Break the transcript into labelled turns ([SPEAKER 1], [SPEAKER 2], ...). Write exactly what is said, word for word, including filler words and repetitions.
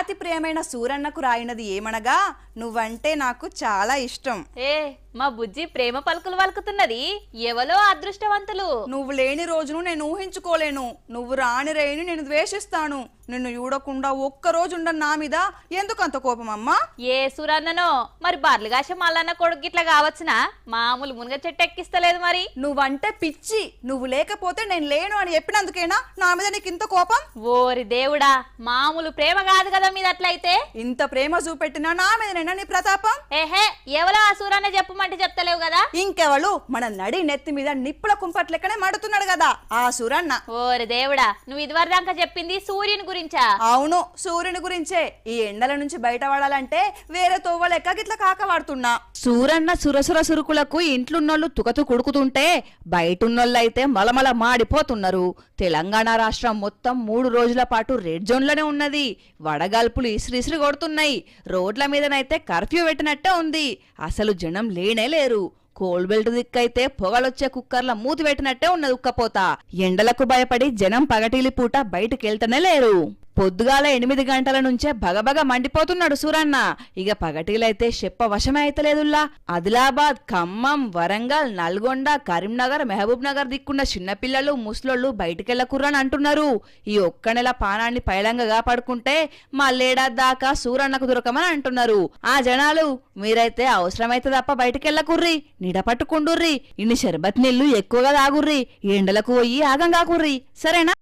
[SPEAKER 1] అతి ప్రియమైన సూరన్నకు రాయినది ఏమనగా నువ్వంటే నాకు చాలా ఇష్టం.
[SPEAKER 2] ఏ మా బుజ్జి ప్రేమ పలుకులు పలుకుతున్నది. ఎవలో అదృష్టవంతులు.
[SPEAKER 1] నువ్వు లేని రోజును నేను ఊహించుకోలేను. నువ్వు రాని రేణి నేను ద్వేషిస్తాను. నిన్ను చూడకుండా ఒక్క రోజు ఉండను. నా మీద ఎందుకంత కోపం అమ్మా?
[SPEAKER 2] ఏ సూరన్ననో మరి బర్లుగాష మల్లన్న కొడుకు ఇట్లా కావచ్చునా? మామూలు మునగ చెట్టు ఎక్కిస్తలేదు మరి.
[SPEAKER 1] నువ్వంటే పిచ్చి. నువ్వు లేకపోతే నేను లేను అని చెప్పినందుకేనా నా మీద నీకు ఇంత కోపం?
[SPEAKER 2] ఓరి దేవుడా, మామూలు ప్రేమ కాదు కదా మీద అట్లయితే.
[SPEAKER 1] ఇంత ప్రేమ చూపెట్టినా నా మీదనైనా నీ ప్రతాపం?
[SPEAKER 2] ఏహే, ఎవలో ఆ సూరన్న చెప్పమంటే చెప్తలేవు కదా.
[SPEAKER 1] ఇంకెవలు? మన నడి నెత్తి మీద నిప్పుల కుంపట్లెక్కనే మడుతున్నాడు కదా ఆ సూరన్న.
[SPEAKER 2] ఓరి దేవుడా, నువ్వు ఇదివరదాకా చెప్పింది సూర్యుని గురించా?
[SPEAKER 1] అవును, సూర్యుని గురించే. ఈ ఎండల నుంచి బయటపడాలంటే వేరే తోవలెక్క గిట్ల కాకవాడుతున్నా.
[SPEAKER 3] సూరన్న సురసుర సురుకులకు ఇంట్లున్నోళ్ళు తుకతు కుడుకుతుంటే బయటున్నోళ్ళైతే మలమల మాడిపోతున్నారు. తెలంగాణ రాష్ట్రం మొత్తం మూడు రోజుల పాటు రెడ్ జోన్లోనే ఉన్నది. వడగాల్పులు ఇసిరిసిరి కొడుతున్నాయి. రోడ్ల మీదనైతే కర్ఫ్యూ పెట్టినట్టే ఉంది. అసలు జనం లేనే లేరు. కోల్ బెల్ట్ దిక్కైతే పొగలొచ్చే కుక్కర్ల మూతి పెట్టినట్టే ఉన్నది ఉక్కపోత. ఎండలకు భయపడి జనం పగటిలి పూట బయటకెళ్తనే లేరు. పొద్దుగాల ఎనిమిది గంటల నుంచే భగభగ మండిపోతున్నాడు సూరన్న. ఇక పగటిలైతే చెప్ప వశమే అయితలేదుల్లా. ఆదిలాబాద్, ఖమ్మం, వరంగల్, నల్గొండ, కరీంనగర్, మహబూబ్ నగర్ దిక్కున్న చిన్నపిల్లలు ముసలోళ్ళు బయటికెళ్ళకుర్రని అంటున్నారు. ఈ ఒక్క నెల పానాన్ని పైలంగా పడుకుంటే మళ్ళేడాది దాకా సూరన్నకు దొరకమని అంటున్నారు. ఆ జనాలు మీరైతే అవసరమైతే తప్ప బయటికెళ్ళకుర్రి, నిడ పట్టుకుండుర్రి, ఇన్ని షర్బత్ నీళ్లు ఎక్కువగా తాగుర్రి, ఎండలకు పోయి ఆగం కాకుర్రి, సరేనా?